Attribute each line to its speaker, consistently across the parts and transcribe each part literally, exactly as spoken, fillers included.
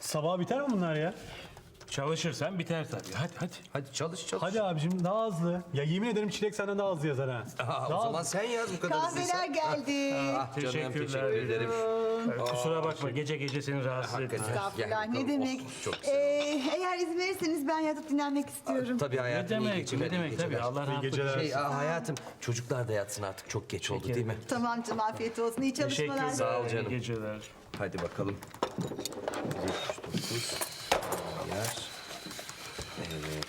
Speaker 1: Sabah biter mi bunlar ya?
Speaker 2: Çalışırsan biter tabii. Hadi hadi.
Speaker 3: Hadi çalış çalış.
Speaker 1: Hadi abicim daha hızlı. Ya yemin ederim Çilek senden daha hızlı yazar ha.
Speaker 3: Aa,
Speaker 1: Daha
Speaker 3: o zaman
Speaker 1: hızlı.
Speaker 3: sen yaz bu kadar
Speaker 4: Kahveler
Speaker 3: hızlıysan.
Speaker 4: geldi.
Speaker 3: Ah canım
Speaker 2: Teşekkürler.
Speaker 3: teşekkür ederim.
Speaker 2: Evet, kusura bakma gece gece seni rahatsız ettim.
Speaker 3: Hakikaten.
Speaker 4: Estağfurullah,
Speaker 3: Gel
Speaker 4: ne
Speaker 3: bakalım.
Speaker 4: demek.
Speaker 3: Of, çok güzel.
Speaker 4: Ee, eğer izin verirseniz ben yatıp dinlenmek istiyorum.
Speaker 3: Tabii
Speaker 2: Ne
Speaker 3: hayatım iyi
Speaker 2: demek,
Speaker 3: geceler.
Speaker 2: ne
Speaker 3: iyi
Speaker 2: demek
Speaker 3: geceler.
Speaker 2: tabii. Allah rahatlık
Speaker 1: geceler.
Speaker 2: versin.
Speaker 3: Şey, aa, hayatım çocuklar da yatsın artık çok geç oldu değil mi?
Speaker 4: Tamam canım, afiyet olsun. İyi çalışmalar.
Speaker 2: Teşekkürler.
Speaker 3: Sağ ol canım.
Speaker 2: İyi geceler.
Speaker 3: Hadi bakalım. yetmiş dokuz. Yer. Evet.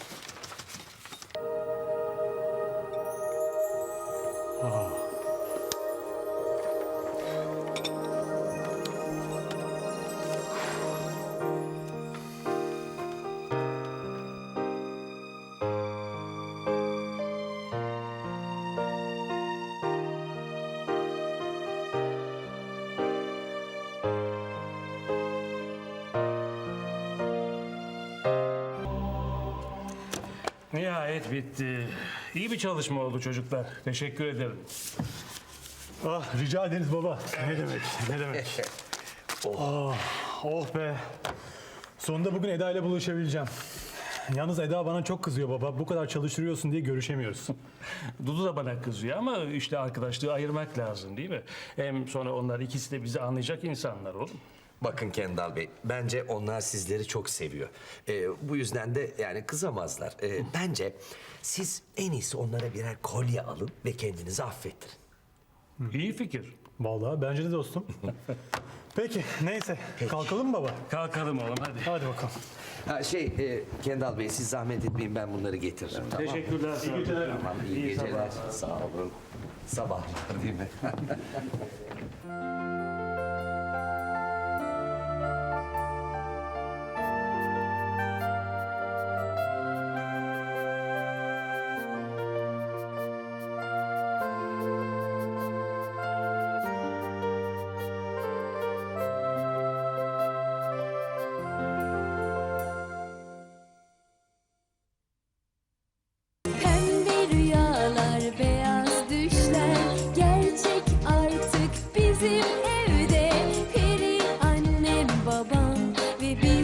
Speaker 2: Nihayet bitti. İyi bir çalışma oldu çocuklar. Teşekkür ederim.
Speaker 1: Ah rica ederiz baba. Ne demek ne demek. oh. oh be. Sonunda bugün Eda ile buluşabileceğim. Yalnız Eda bana çok kızıyor baba. Bu kadar çalıştırıyorsun diye görüşemiyoruz.
Speaker 2: Dudu da bana kızıyor ama işte arkadaşlığı ayırmak lazım değil mi? Hem sonra onlar ikisi de bizi anlayacak insanlar oğlum.
Speaker 3: Bakın Kendal Bey, bence onlar sizleri çok seviyor. Ee, bu yüzden de yani kızamazlar. Ee, bence siz en iyisi onlara birer kolye alın ve kendinizi affettirin.
Speaker 2: İyi fikir.
Speaker 1: Vallahi bence de dostum. Peki neyse. Kalkalım mı baba?
Speaker 2: Kalkalım oğlum hadi.
Speaker 1: Hadi bakalım.
Speaker 3: Ha, şey, e, Kendal Bey siz zahmet etmeyin ben bunları getiririm. Tamam.
Speaker 2: Teşekkürler.
Speaker 1: İyi geceler.
Speaker 3: Tamam, iyi,
Speaker 2: İyi
Speaker 3: geceler. Sağ olun. Sabahlar değil mi?
Speaker 5: Pembe rüyalar, beyaz düşler gerçek artık bizim evde. Peri annem, babam ve biz